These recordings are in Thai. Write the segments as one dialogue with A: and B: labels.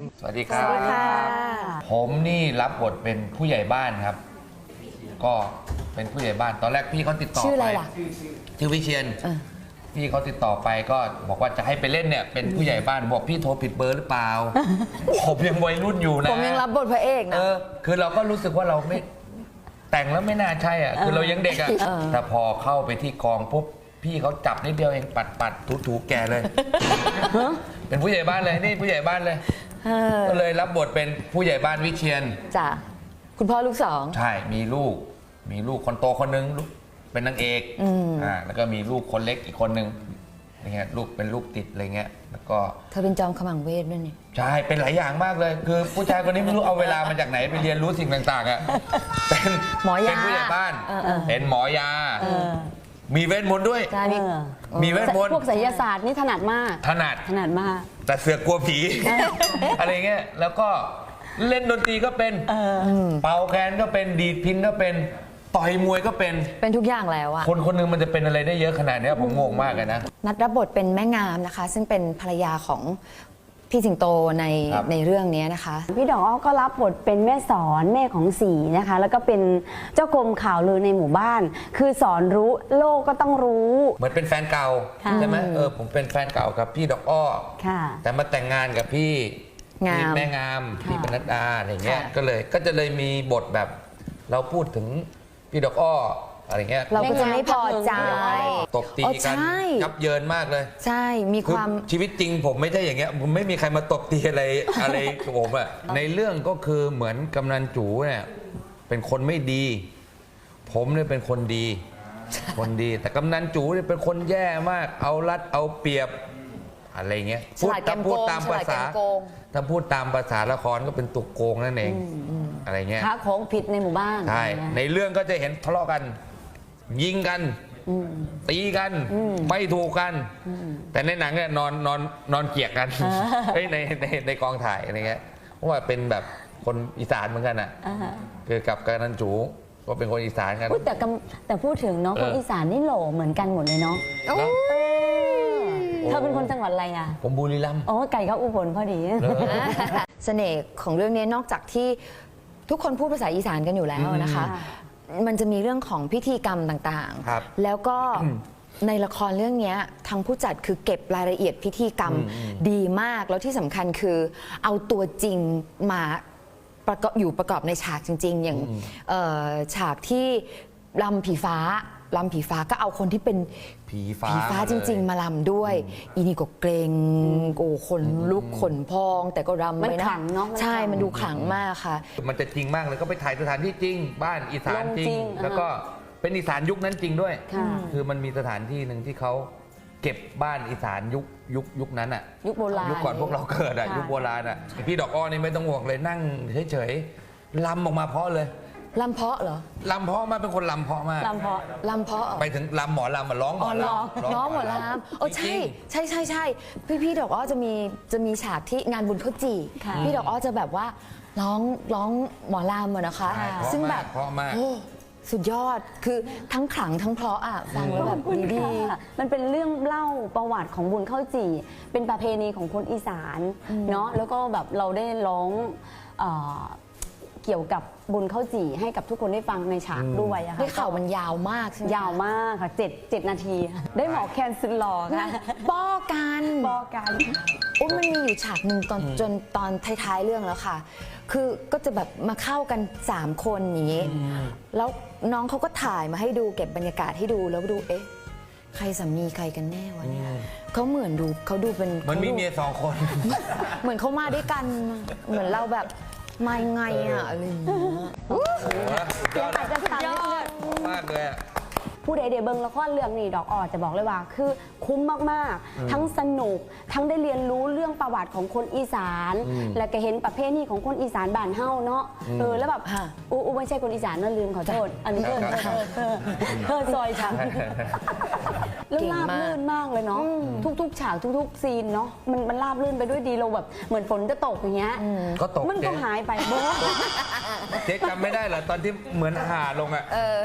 A: สวัสดีครับ
B: สวัสดีค่ะ
A: ผมนี่รับบทเป็นผู้ใหญ่บ้านครับ ก็เป็นผู้ใหญ่บ้านตอนแรกพี่เขาติดต่อ
B: ชื่ออะไร
A: ไป
B: ล่ะ
A: ชื่อวิเชียนพี่เขาติดต่อไปก็บอกว่าจะให้ไปเล่นเนี่ยเป็นผู้ใหญ่บ้านบอกพี่โทรผิดเบอร์หรือเปล่า ผมยังวัยรุ่นอยู่นะ
B: ผมยังรับบทพระเอกนะ
A: คือเราก็รู้สึกว่าเราไม่แต่งแล้วไม่น่าใช่อ่ะคือเรายังเด็กอ่ะแต่พอเข้าไปที่กองปุ๊บพี่เขาจับนิดเดียวเองปัดถูแกเลย เป็นผู้ใหญ่บ้านเลยนี่ผู้ใหญ่บ้านเลยก็เลยรับบทเป็นผู้ใหญ่บ้านวิเชียน
B: จ้ะคุณพ่อลูกสอง
A: ใช่มีลูกคนโตคนนึงเป็นนางเอกแล้วก็มีลูกคนเล็กอีกคนนึงอย่างเงี้ยลูกเป็นลูกติดอะไรเงี้ยแล้วก็
B: เธอเป็นจอมขมังเวทด้วยนี่
A: ใช่เป็นหลายอย่างมากเลย คือผู้ชายคนนี้ไม่รู้เอาเวลามาจากไหนไปเรียนรู้สิ่งต่างๆอ่ะเป็น
B: หมอยา
A: เป็นผู้ใหญ่บ้านเป็นหมอยามีเวทมนต์ด้วย
B: ใช่
A: มีเวทมนต์
C: พวกไสยศาสตร์นี่ถนัดมาก
A: ถนัด
C: มาก
A: แต่เสือกกลัวผี อะไรเงี้ยแล้วก็เล่นดนตรีก็เป็นเป่าแคนก็เป็นดีดพินก็เป็นต่อยมวยก็เป็น
B: ทุกอย่างแล้วอะ
A: คนคนหนึงมันจะเป็นอะไรได้เยอะขนาดนี้ผมงงมากเลยนะ
B: นัดรับบทเป็นแม่งามนะคะ ซึ่งเป็นภรรยาของพี่สิงโตใน
A: ครับ
B: ในเรื่องนี้นะคะ
C: พี่ดอกอ้อก็รับบทเป็นแม่สอนแม่ของสีนะคะ แล้วก็เป็นเจ้ากรมข่าวลือในหมู่บ้าน คือสอนรู้โลกก็ต้องรู้
A: เหมือนเป็นแฟนเก่า
C: ค่ะ
A: ใช่ไหมผมเป็นแฟนเก่ากับพี่ดอกอ้อ
C: ค่ะ
A: แต่มาแต่งงานกับพี่
B: งาม
A: แม่งาม
C: ค่ะ
A: พี่ปนัดดาอะไรเงี้ย
B: ค่ะ
A: ก็จะเลยมีบทแบบเราพูดถึงพี่ดอกอ้ออะไรเงี้ย
B: เราก็จะไม่พอใจ
A: ตบตี
B: อ๋อ
A: กัน
B: ใช่
A: ยับเยินมากเลย
B: ใช่มี
A: คื
B: ค
A: อ
B: วาม
A: ชีวิตจริงผมไม่ใช่อย่างเงี้ยผมไม่มีใครมาตบตีอะไร อะไรกับผมอะในเรื่องก็คือเหมือนกำนันจูเนี่ยเป็นคนไม่ดี ผมเนี่ยเป็นคนดี แต่กำนันจูเนี่ยเป็นคนแย่มาก เอารัดเอาเปรียบอะไรเงี้ย
B: ฉลาดแกมโกง
A: พูดตามภาษา
B: ฉลาดแกมโกง
A: ถ้าพูดตามภาษาละครก็เป็นตุกโกงนั่นเองอะไรเงี้ย
C: ค้าของผิดในหมู่บ้าน
A: ใช่ในเรื่องก็จะเห็นทะเลาะกัน ยิงกันตีกันไม่ถูกกัน แต่ในหนังเนี่ยนอนเกลียกกันเฮ้ยในกองถ่ายอะไรเงี้ยเพราะว่าเป็นแบบคนอีสานเหมือนกันอ่ะคือกับกำนันจูก็เป็นคนอีสานกัน
C: พูดแต่พูดถึงเนาะคนอีสานนี่โหล่เหมือนกันหมดเลยเนาะ
A: เนอะ
C: เธอเป็นคนจังหวัดอะไรอ่ะ
A: ผมบุรีรัมย์
C: อ๋อไก่เขาอุบลพอดี
B: เสน่ห์ของเรื่องนี้นอกจากที่ทุกคนพูดภาษาอีสานกันอยู่แล้วนะคะ มันจะมีเรื่องของพิธีกรรมต่าง
A: ครับ
B: ๆ แล้วก็ในละครเรื่องนี้ทางผู้จัดคือเก็บรายละเอียดพิธีกรรมดีมาก แล้วที่สำคัญคือเอาตัวจริงมาประกอบในฉากจริง ๆ อย่างฉากที่ลำผีฟ้าก็เอาคนที่เป็น
A: ผีฟ้า
B: จริง ๆ มาลำด้วย อีนี่ก็เกรงโอ้คนลุกขนพอง แต่ก็รำ
C: มัน
B: ไปนะ
C: ขลังเนอะมัน
B: ใช่
C: ขลัง
B: มันดูขลังมากค่ะ
A: มันจะจริงมากเลยก็ไปถ่ายสถานที่จริง บ้านอีสานจริ
C: จริ
A: ง
C: ง
A: แล้วก็เป็นอีสานยุคนั้นจริงด้วย
C: ค่ะ
A: คือมันมีสถานที่หนึ่งที่เขาเก็บบ้านอีสานยุคนั้นอ่ะ
C: ยุคโบราณ
A: ยุคก่อนพวกเราเกิดอ่ะ
C: ค่ะ
A: ยุคโบราณอ่ะพี่ดอกอ้อนี่ไม่ต้องห่วงเลยนั่งเฉยๆลำออกมาเพราะเลย
B: ลำเพาะเหรอ
A: ลำเพราะมากเป็นคนลำเพราะมาก
C: ลำเพาะ
B: ลำเพาะเหรอ
A: ไปถึงลำหมอลำมาร้องหมอลำ
B: น้องหมอลำโอ้
A: จ
B: ใช่
A: ริง
B: ใช่พี่ดอกอ้อจะมีฉากที่งานบุญข้าวจี่
C: ค่ะ
B: พี่ดอกอ้อจะแบบว่าร้องหมอลำอะนะคะ
A: ใช่
B: ซึ่งแบบ
A: เพราะมาก
B: โอ้สุดยอดคือทั้งขลังทั้งเพราะอ่ะฟังแล้วแบบดี
C: ค่ะมันเป็นเรื่องเล่าประวัติของบุญข้าวจี่ เป็นประเพณีของคนอีสานเนาะแล้วก็แบบเราได้ร้องเอ่อเกี่ยวกับบุญข้าวจี่ให้กับทุกคนได้ฟังในฉากด้วยอะ
B: ๆ
C: ค่ะ
B: ได้ข่าวมันยาวมากใช่ไหม
C: ยาวมากค่ะ7นาที ได้หมอแคนสุดหล่อค่ะ
B: ป้อกัน
C: บอกกัน
B: โอ้มันมีอยู่ฉากหนึ่งจนตอนท้ายๆเรื่องแล้วค่ะ คือก็จะแบบมาเข้ากัน 3 คนอย่างนี้ แล้วน้องเขาก็ถ่ายมาให้ดูเก็บบรรยากาศให้ดูแล้วดูเอ๊ะใครสามีใครกันแน่วะเนี่ยเขาเหมือนดูเขาดูเป็น
A: มันมี
B: ขาดู
A: เมีย2 คน
B: เหมือนเขามาด้วยกัน เหมือนเราแบบมายังไงอะอะไรอย่างเงี้ย
A: ยอด
C: อาจจะทำนิดนึง
A: มากเลยอะ
C: ผู้ใดเดเบิงละครเรื่องนี้ดอกออจะบอกเลยว่า คือคุ้มมากๆ ทั้งสนุกทั้งได้เรียนรู้เรื่องประวัติของคนอีสาน และก็เห็นประเพณีของคนอีสานบ้านเฮาเนาะแล้วแบบอูไม่ใช่คนอีสานนั่นลืมขอโทษอันนี้เธอซอยฉันแล้วราบลื่นมากเลยเนาะทุกๆฉากทุกๆซีนเนาะมันราบลื่นไปด้วยดีเราแบบเหมือนฝนจะตกอย่างเงี้ย
A: ก็ตก
C: มันก็
A: เจ๊
C: หายไปโบ๊ะ
A: เจ๊จำไม่ได้เหรอตอนที่เหมือนห่าลงอ่ะ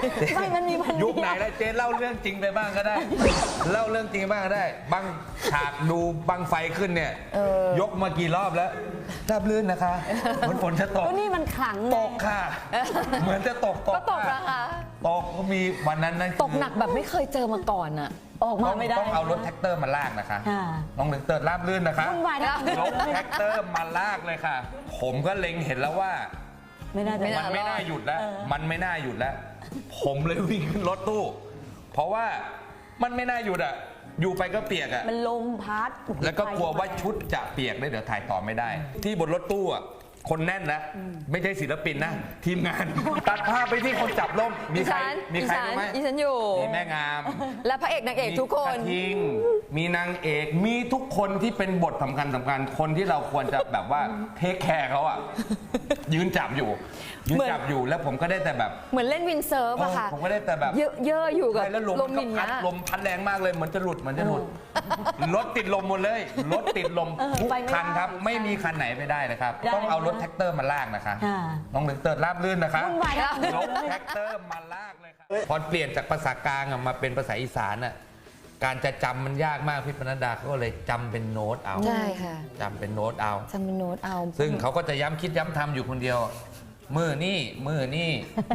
C: ไม่มันมีวันเดียว
A: ยุคไหนแล้วเจ๊เล่าเรื่องจริงไปบ้างก็ได้ เล่าเรื่องจริงบ้างก็ได้บางฉากดูบังไฟขึ้นเนี่ยยกมากี่รอบแล้วราบลื่นนะคะเหมือนฝนจะตก
C: ก็นี่มันขลัง
A: ตกค่ะ เหมือนจะตก
B: ก็ตกนะคะ
A: ตกก็มีวันนั้นนะ
B: ตกหนักแบบไม่เคยเจอมาก่อนอะ
C: ออกมาไม่ได้
A: ต้องเอารถแท็กเตอร์มาลากนะคะ
C: ค่ะ
A: น้องแท็กเตอร์ราบลื่นนะคะ
C: วุ่นวายนะ
A: รถแท็กเตอร์มาลากเลยค่ะ ผมก็เล็งเห็นแล้วว่า
C: ไม่น่าจะ
A: มันไม่น่าหยุดแล้ว มันไม่น่าหยุดแล้ว ผมเลยวิ่งขึ้นรถตู้ เพราะว่ามันไม่น่าหยุดอ่ะ อยู่ไปก็เปียกอ่ะ
C: มันลมพัด
A: แล้วก็กลัวว่าชุดจะเปียกได้เดี๋ยวถ่ายต่อไม่ได้ ที่บนรถตู้อ่ะ คนแน่นนะ ไม่ใช่ศิลปินนะ ทีมงาน ตัดภาพไปที่คนจับล่ม มีใครรู้ไหม
B: อีฉันอยู่
A: มีแม่งาม
B: และพระเอกนางเอกทุกคน
A: มีกระทิง มีนางเอก มีทุกคนที่เป็นบทสำคัญคนที่เราควรจะแบบว่าเทคแคร์เขาอ่ะ ยืนจับอยู่แล้วผมก็ได้แต่แบบ
B: เหมือนเล่นวินเซิร์ฟอะค่ะ
A: ผมก็ได้แต่แบบ
B: เยอะๆอยู่กับ
A: ใช่แล้วลม
B: ล
A: มั
B: ม
A: น
B: อ
A: ก็
B: ย่าง
A: พั
B: เงี้
A: ด
B: ย
A: ลมพัดแรงมากเลยเหมือนจะหลุดรถติดลมหมดเลยรถติดลมทุกคันครับไม่มีคันไหนไปได้นะครับ ต้องเอารถแท็กเตอร์มาลากนะคะ
C: ค่ะ
A: น้องแท็กเตอร์ราบลื่นนะคะ
C: วุ่นวายนะ
A: รถแท็กเตอร์มาลากเลยครับพอเปลี่ยนจากภาษากลางอะมาเป็นภาษาอีสานอ่ะการจะจำมันยากมากพี่ปนัดดาเขาก็เลยจำเป็นโน้ตเอา
B: ใช่ค่ะ
A: จำเป็นโน้ตเอา
B: จำเป็นโน้ตเอา
A: ซึ่งเขาก็จะย้ำคิดย้ำทำอยู่คนเดียว มือนี่
B: มือนี่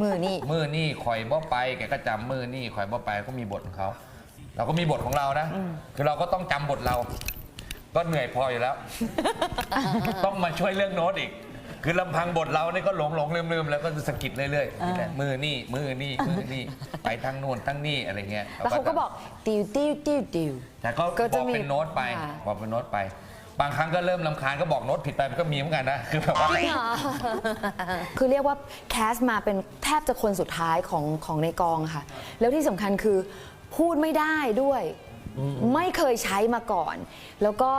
A: คอยบ่ไปแกก็จำมือนี่คอยบ่ไปก็มีบทของเขาเราก็มีบทของเรานะ คือเราก็ต้องจำบทเรา ก็เหนื่อยพออยู่แล้ว ต้องมาช่วยเรื่องโน้ตอีก คือลำพังบทเราเนี่ยก็หลงลืมแล้วก็สะกิดเรื่อยๆมือนี่ไปทั้งโน้นทั้งนี่อะไรเงี้ย
B: แล้วเขาก็บอกติว
A: แต่ก็
B: ก็
A: บ
B: จะ
A: อก
B: มี
A: เป็นโน้ตไป
B: ค่ะ
A: บอกเป็นโน้ตไป บางครั้งก็เริ่มรำคาญก็บอกโน้ตผิดไปมันก็มีเหมือนกันนะคือแบบว่า
B: คือเรียกว่าแคสมาเป็นแทบจะคนสุดท้ายของในกองค่ะ แล้วที่สำคัญคือพูดไม่ได้ด้วย ไม่เคยใช้มาก่อน แล้วก็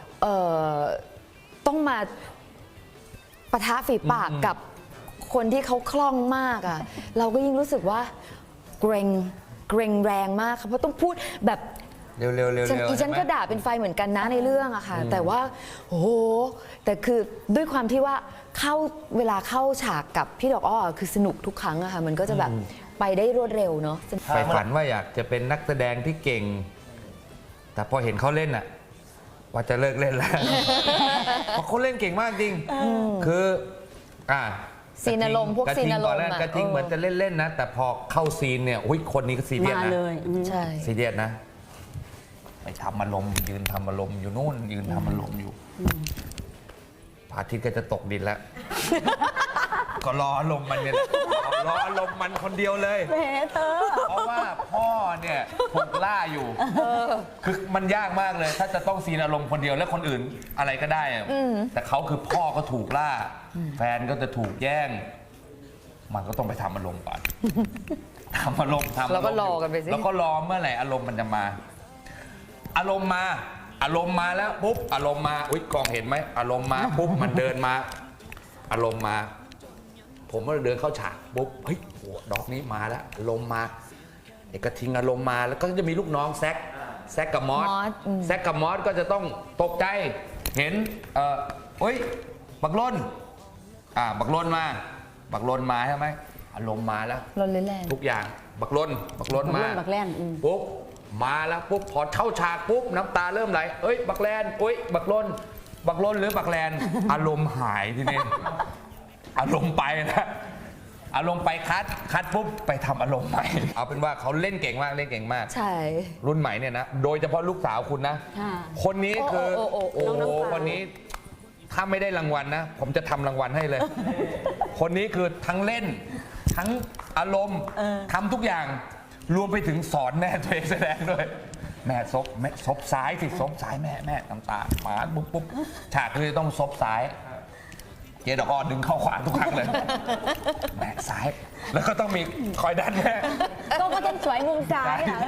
B: ต้องมาปะทะฝีปากกับคนที่เขาคล่องมากอ่ะ เราก็ยิ่งรู้สึกว่าเกรงแรงมากค่ะเพราะต้องพูดแบบ
A: เร็วๆ
B: ฉันก็ด่าเป็นไฟเหมือนกันนะในเรื่องอะค่ะ แต่ว่าโอ้โหแต่คือด้วยความที่ว่าเวลาเข้าฉากกับพี่ดอกอ้อคือสนุกทุกครั้งอะค่ะมันก็จะแบบไปได้รวดเร็วเนาะ
A: ใฝ่ฝันว่าอยากจะเป็นนักแสดงที่เก่ง แต่พอเห็นเขาเล่นอะว่าจะเลิกเล่นแล้ว เพราะเขาเล่นเก่งมากจริง คือ
B: ซีนอารมณ์พวกซีนอารมณ์
A: ตอนแรกกระทิงเหมือนจะเล่นๆนะ แต่พอเข้าซีนเนี่ยคนนี้ก็ซีเรียส
C: มา
A: นะ
C: เลย
B: ใช่
A: ซีเรียสนะ ไปทำอารมณ์ยืนทำอารมณ์อยู่นู่นยืนทำอารมณ์อยู่พระอาทิตย์ก็จะตกดินแล้ว ก็รออารมณ์มันเนี่ยรออารมณ์มันคนเดียวเลย
C: แหมเธอ
A: เพราะว่าพ่อเนี่ยถูกล่าอยู่คือมันยากมากเลย ถ้าจะต้องซีนอารมณ์คนเดียวแล้วคนอื่นอะไรก็ได้อะแต่เขาคือพ่อก็ถูกล่า แฟนก็จะถูกแย่ง มันก็ต้องไปทำอารมณ์ก่อนทำอารมณ์
B: แล้วก็รอกันไปสิ
A: แล้วก็รอเมื่อไหร่อารมณ์มันจะมา อารมณ์มาแล้วปุ๊บอารมณ์มาอุ๊ยกล้องเห็นไหมอารมณ์มาปุ๊บมันเดินมา อารมณ์มา ผมก็เดินเข้าฉากปุ๊บเฮ้ยโหดอกนี้มาแล้วอารมณ์มาเอกทิ้งอารมณ์มาแล้วก็จะมีลูกน้องแซกกับมอสแซกกับมอสก็จะต้องตกใจเห็นเฮ้ยบักลนบักลนมาใช่ไหมอารมณ์มาแล้ว
B: ลนแรง
A: ทุกอย่างบักลนมา
C: บักแล่น
A: ปุ๊บมาแล้วปุ๊บพอเข้าฉากปุ๊บน้ำตาเริ่มไหลเอ้ยบักแลนเอ้ยบักลนหรือบักแลน อารมณ์หายทีนี้อารมณ์ไปนะอารมณ์ไปคัดปุ๊บไปทำอารมณ์ใหม่เอาเป็นว่าเขาเล่นเก่งมาก
B: ใช่
A: รุ่นใหม่เนี่ยนะโดยเฉพาะลูกสาวคุณนะ
C: ค่ะ
A: คนนี้คือ
B: โอ้
A: โอ้
C: น้อง
A: โห
C: น้ำฟ้า
A: วันนี้ถ้าไม่ได้รางวัลนะ ผมจะทำรางวัลให้เลย คนนี้คือทั้งเล่น ทั้งอารมณ์ทำทุกอย่างรวมไปถึงสอนแม่ตัวเองแสดงด้วย แม่ซบซ้ายสิซบซ้ายแม่น้ำตาหมาปุ๊บฉากเลยต้องซบซ้าย เจดอกอ้อดึงเข้าขวาทุกครั้งเลย แม่ซ้าย แล้วก็ต้องมีคอยดันแม่
C: ก็ต้องสวยมุมซ้ายอ่ะ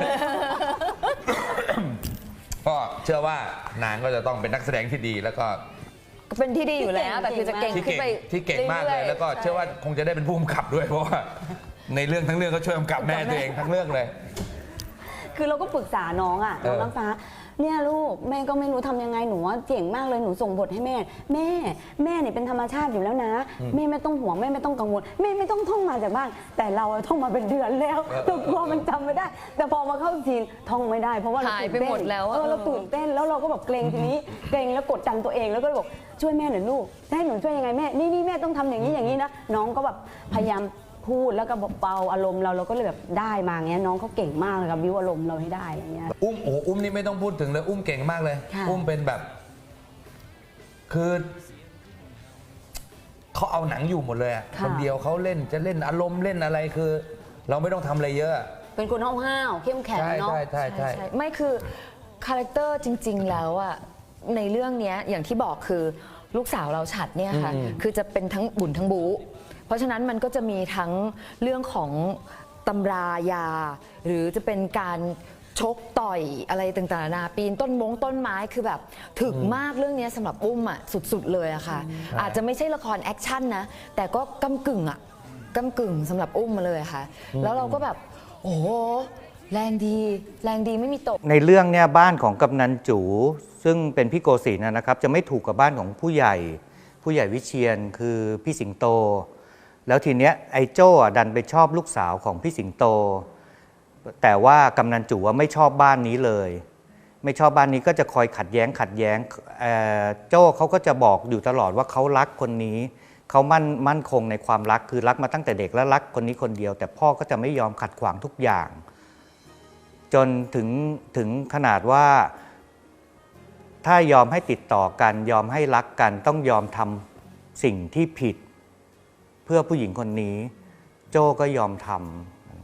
A: ก็เชื่อว่านางก็จะต้องเป็นนักแสดงที่ดีแล้วก็
B: เป็นที่ดีอยู่แล้วแต่คือจะเก่ง
A: ที่
B: ขึ้น
A: เก่ง
B: ไป
A: ที่เก่งมากเลย
B: รื่อๆ
A: แล้วก็เชื่อว่าคงจะได้เป็นผู้กำกับด้วยเพราะว่าในเรื่องทั้งเรื่องก็ช่วยกำกับแม่ตัวเองทั้งเรื่องเลย
C: คือเราก็ปรึกษาน้องอ่ะ น้องน้ำฟ้าเนี่ยลูกแม่ก็ไม่รู้ทำยังไงหนูว่าเจ๋งมากเลยหนูส่งบทให้แม่แม่เนี่ยเป็นธรรมชาติอยู่แล้วนะแม่ไม่ต้องห่วงแม่ไม่ต้องกังวลแม่ไม่ต้องท่องมาจากบ้านแต่เราท่องมาเป็นเดือนแล้วเรากลัวมันจำไม่ได้ แต่พอมาเข้าซีนท่องไม่ได้เพราะว่าเรา
B: หาย
C: ตื่น
B: ไป
C: เต้น
B: หมดแล้วอะ
C: เราตื่นเต้นแล้วเราก็แบบเกรงทีนี้เกรงแล้วกดดันตัวเองแล้วก็เลยบอกช่วยแม่หน่อยลูกจะให้หนูช่วยยังไงแม่นี่แม่ต้องทำอย่างนี้อย่างนี้นะน้องก็แบบพยายามพูดแล้วก็เบาอารมณ์เราก็เลยแบบได้มาอย่างเงี้ยน้องเขาเก่งมากเลยครับบิวอารมณ์เราให้ได้อย่างเงี้ย
A: อุ้มนี่ไม่ต้องพูดถึงเลยอุ้มเก่งมากเลย
C: ค่ะ
A: อุ้มเป็นแบบ คือเขาเอาหนังอยู่หมดเลยอะคนเดียวเขาเล่นจะเล่นอารมณ์เล่นอะไรคือ เราไม่ต้องทำอะไรเยอะ
C: เป็นคนห้าวๆเข้มแข็ง
A: ใช่
C: เนาะ
A: ใช่ใช่
B: ไม่คือคาแรคเตอร์จริง ๆ แล้วอะในเรื่องเนี้ยอย่างที่บอกคือลูกสาวเราฉัดเนี่ยค่ะคือจะเป็นทั้งบุญทั้งบู๊เพราะฉะนั้นมันก็จะมีทั้งเรื่องของตำรายา หรือจะเป็นการชกต่อยอะไรต่างๆนานาปีนต้นไม้คือแบบถึกมากเรื่องนี้สำหรับอุ้มอ่ะสุดๆเลยอะค่ะ อาจจะไม่ใช่ละครแอคชั่นนะแต่ก็กำกึ่งอะกำกึ่งสำหรับอุ้มมาเลยค่ะ แล้วเราก็แบบโอ้โหแรงดีไม่มีตก
D: ในเรื่องเนี่ยบ้านของกำนันจูซึ่งเป็นพี่โกศินทร์นะครับจะไม่ถูกกับบ้านของผู้ใหญ่วิเชียนคือพี่สิงโต แล้วทีเนี้ยไอ้โจ้ดันไปชอบลูกสาวของพี่สิงโต แต่ว่ากำนันจูว่าไม่ชอบบ้านนี้เลย ไม่ชอบบ้านนี้ก็จะคอยขัดแย้งโจ้เขาก็จะบอกอยู่ตลอดว่าเขารักคนนี้เขามั่นคงในความรักคือรักมาตั้งแต่เด็กและรักคนนี้คนเดียว แต่พ่อก็จะไม่ยอมขัดขวางทุกอย่าง จนถึงขนาดว่าถ้ายอมให้ติดต่อกันยอมให้รักกันต้องยอมทำสิ่งที่ผิด เพื่อผู้หญิงคนนี้ โจ้ก็ยอมทำ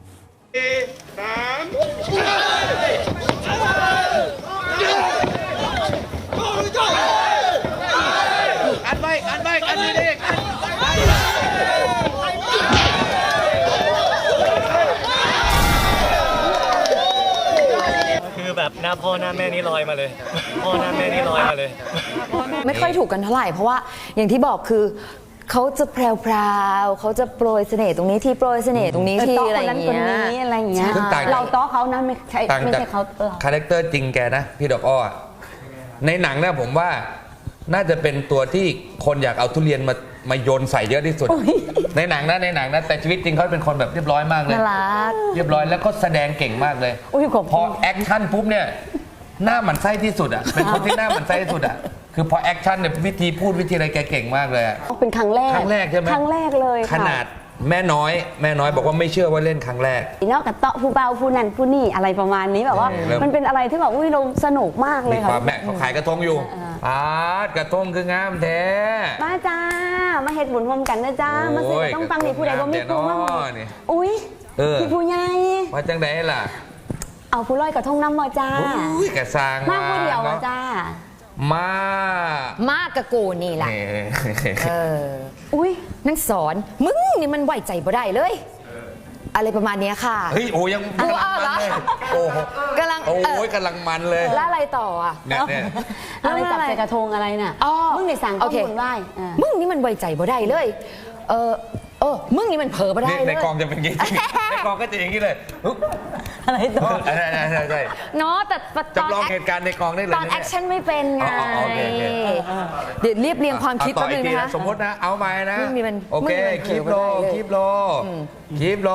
E: คือแบบหน้าพ่อหน้าแม่นี่ลอยมาเลย พ่อหน้าแม่นี่ลอยมาเลย
B: ไม่ค่อยถูกกันเท่าไหร่เพราะว่าอย่างที่บอกคือเขาจะแพรวๆเขาจะโปรยเสน่ห์ตรงนี้ที่โปรยเสน่ห์ตรงนี้ที่
C: โต๊ะ
B: อะไร
C: คน
B: อ
C: นั้น
B: ย่าง
C: คน
B: เงี้ย
C: นี้อะไรอย่างเงี้ย
A: ซึ่งต่างจาก
C: เราโต๊ะเขานะไม่ใช่
A: ต่าง
C: ไม่
A: จาก
C: ใช่เขาเรา
A: คาแรคเตอร์จริงแกนะ พี่ดอกอ้อในหนังนะผมว่าน่าจะเป็นตัวที่คนอยากเอาทุเรียนมาโยนใส่เยอะที่สุด ในหนังนะแต่ชีวิตจริงเขาเป็นคนแบบเรียบร้อยมากเลย
B: น่ารัก
A: เรียบร้อยแล้วก็แสดงเก่งมากเลย
C: อุ้ยขอบ
A: พ
C: คุ
A: อ
C: ณ
A: แอคชั่นปุ๊บเนี่ยหน้าหมันไส้ที่สุดอ่ะเป็นคนที่หน้าหมันไส้ที่สุดอ่ะคือพอแอคชั่นเนี่ยวิธีพูดวิธีอะไรแกเก่งมากเลยอะ
C: เป็นครั้งแรก
A: ครั้งแรกใช่ไหม
C: ครั้งแรกเลย
A: ข
C: ค่ะ
A: นาดแม่น้อยบอกว่าไม่เชื่อว่าเล่นครั้งแรก
C: นอกจากโต๊ะผู้เบาผู้นั่นผู้นี่อะไรประมาณนี้แบบว่า
A: เริ่ม
C: มันเป็นอะไรที่แบบอุ้ยเราสนุกมากเล
A: มี
C: ย
A: ค
C: ค่ะ
A: วามแม่เขาขายกระทงอยู่กระทงคืองามแท้
C: มาจ้ามาเฮ็ดบุญพร้อมกันนะจ้ามาซื้อต้องฟังนี่ผู้ใดบ่มีครูมาบอก
A: นี่
C: อุ้ย
A: เออ
C: พี่ผู้ใหญ่
A: ว่าจังไดล่ะ
C: เอาผู้ลอยกระทงน้ำมาจ้า
A: อุ้ยกระซาง
C: มาผู้เดียวมาจ้า
A: มา
B: มากกับกูนี่แหละ
A: นี่
B: เออ
C: อุ้ย
B: นั่งสอนมึงนี่มันไหวใจบ่ได้เลย อะไรประมาณเนี้ยค่ะ
A: เฮ้ยโอ้ยังกำลังมันเลยโอ้โห
B: กำลัง
A: โอ้ยกำลังมันเลย
B: แล้วอะไรต่ออ่ะ
A: เนี่ย
C: อะไรจับใส่กระทงอะไรน่ะ
B: อ๋อ
C: มึงในสั่ง
B: โอ
C: ข้อ
B: เค
C: มูลไหว้
B: มึงนี่มันไหวใจบ่ได้เลย มึงนี่มันเผลอบ่ได้
A: นี่
B: เล
A: ใน
B: ย
A: กองจะเป็นอย่างนี้ในกองก็จะอย่างนี้เลยอุ๊บ
C: อะไรต่อ
A: ใช่
B: เนาะแต่ตอน
A: จำลองเหตุการณ์ในกองได้เลย
B: ตอนแอคชั่นไม่เป็นไง
A: อ๋อโอเค
B: เดี๋ยวเรียบเรียงความคิด
A: ต่
B: แป๊
A: อบ
B: นึ
A: อีก
B: ง
A: ที
B: นะคะ
A: สมมตินะเอาใหม่นะ
B: มึงนี่มัน
A: โอเค
B: มึงนี่มัน
A: คีบโล
B: เผลอบ่ได้เลย
A: คีบโล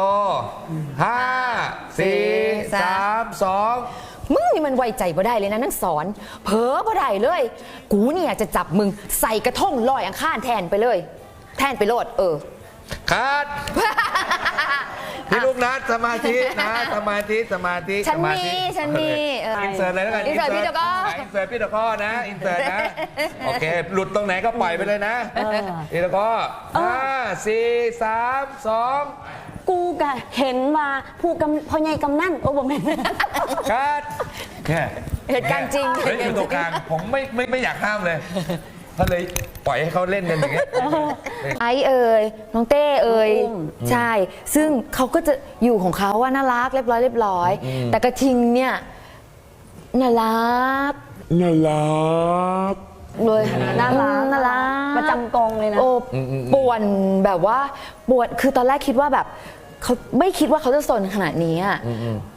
A: 5 4 3 2
B: มึงนี่มันไว้ใจบ่ได้เลยนะนั่งสอนเผลอบ่ได้เลย กูเนี่ยจะจับมึงใส่กระทงลอยอังคารแทนไปเลย แทนไปโลด
A: คัดพี่ลูกนัดสมาธินะสมาธิ
B: ฉันมี
A: อินเสิร์ตเลยแล้วกัน
B: อินเสิร์ตพี่ตะก้อ
A: อินเสิร์ตพี่ตะก้อนะอินเสิร์ตนะโอเคหลุดตรงไหนก็ปล่อยไปเลยนะพี่ตะก้อ5 4 3 2
C: กูกะเห็นว่าผู้กำพ่อใหญ่กำนั่นโอ้บ่แม่น
A: คัดเนี่ย
B: เหตุการณ์จริง
A: เฮ้ยอยู่ตรงกลางผมไม่อยากห้ามเลยก็เลยปล่อยให้เขาเล่นกันอย่างเงี้ย
B: ไอซ์เอ่ยน้องเต้เอ่ย
C: อุ้ม
B: ใช่ ซึ่งเขาก็จะอยู่ของเขาว่าน่ารักเรียบร้อยแต่กระทิงเนี่ยน่ารักเลย
C: น่ารัก
B: น่ารัก
C: ประจำกองเลยนะ
B: โอ้ป่วนแบบว่าป่วนคือตอนแรกคิดว่าแบบเขาไม่คิดว่าเขาจะสนขนาดนี้อะ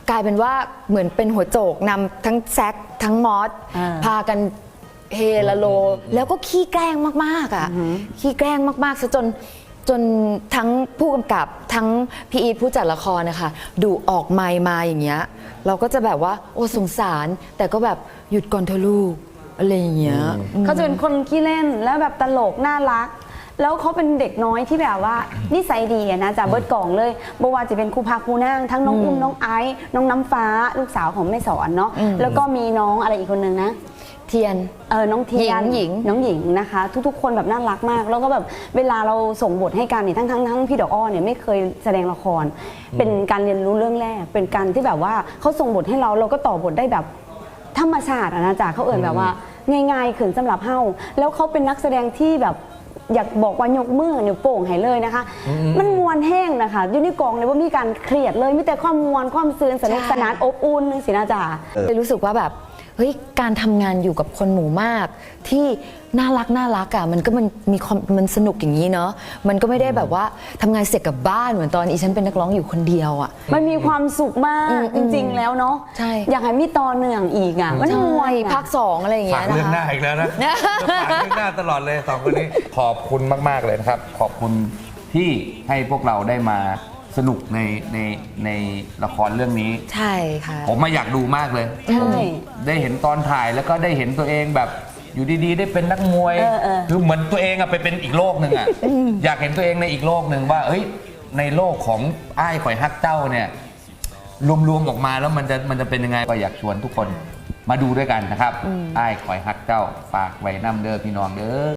B: กลายเป็นว่าเหมือนเป็นหัวโจกนำทั้งแซคทั้งมอส
C: อ่า
B: พากันเฮละโล แล้วก็ขี้แกล้งมากๆอ่ะขี้แกล้งมากๆซะจนทั้งผู้กำกับทั้งพี่อีทผู้จัดละครนะคะดูออกไมค์มาอย่างเงี้ยเราก็จะแบบว่าโอ้สงสารแต่ก็แบบหยุดก่อนเถอะลูกอะไรอย่างเงี้ย
C: เขาจะเป็นคนขี้เล่นแล้วแบบตลกน่ารัก แล้วเขาเป็นเด็กน้อยที่แบบว่านิสัยดีอะนะจากเบิร์ดกล่องเลยบ่ว่าจะเป็นครูพักครูนั่งทั้งน้องอุ้มน้องไอซ์น้องน้ำฟ้าลูกสาวของแม่สอนเนาะแล้วก็มีน้องอะไรอีกคนนึงนะ
B: เทียน
C: น้องเทียน
B: หญิง
C: น้องหญิงนะคะ ทุกๆ คนแบบน่ารักมาก แล้วก็แบบเวลาเราส่งบทให้กันเนี่ยทั้งพี่ดอกอ้อเนี่ยไม่เคยแสดงละคร เป็นการเรียนรู้เรื่องแรก เป็นการที่แบบว่าเขาส่งบทให้เราก็ต่อบทได้แบบธรรมชาติอะนะจ๊ะเขาเอ่ยแบบว่าง่ายๆขืนสำหรับเฮ้าแล้วเขาเป็นนักแสดงที่แบบอยากบอกว่ายกมือนิ้วโป่งให้เลยนะคะ มันมวนแห้งนะคะอยู่ในกองเลยว่ามีการเครียดเลยมีแต่ความมวนความซื่นสนุกสนานอบอุ่นนึงสินะจ๊ะ
B: เลยรู้สึกว่าแบบเฮ้ยการทำงานอยู่กับคนหมู่มาก ที่น่ารักอ่ะมันก็มีความมันสนุกอย่างนี้เนาะมันก็ไม่ได้แบบว่าทำงานเสร็จกลับบ้านเหมือนตอนอีฉันเป็นนักร้องอยู่คนเดียวอ่ะ
C: มันมีความสุขมากจริงๆแล้วเนาะ
B: ใช่
C: อยากให้มีตอนเนื่องอีกอ่ะมัน
B: ใช่
C: มวย
B: ภาค 2อะไรอย่าง
A: ฝา
B: เงี้
A: ก
B: ย
A: เรื่องห
B: นะ
A: น้า
B: คะ
A: อีกแล้วนะฝากเรื่องหน้าตลอดเลยสองคนนี้ ขอบคุณมาก ๆ เลยนะครับ ขอบคุณที่ให้พวกเราได้มาสนุกในละครเรื่องนี้
B: ใช่ค่ะ
A: ผมมาอยากดูมากเลย
C: ใช่
A: ได้เห็นตอนถ่ายแล้วก็ได้เห็นตัวเองแบบอยู่ดีๆ ได้เป็นนักมวย คือเหมือนตัวเองอะไปเป็นอีกโลกหนึ่งอะอยากเห็นตัวเองในอีกโลกหนึ่งว่าเอ้ยในโลกของอ้ายข่อยฮักเจ้าเนี่ยรวมๆออกมาแล้วมันจะเป็นยังไงก็อยากชวนทุกคนมาดูด้วยกันนะครับอ้ายข่อยฮักเจ้าฝากไว้น้ำเด้อพี่น้องเด้อ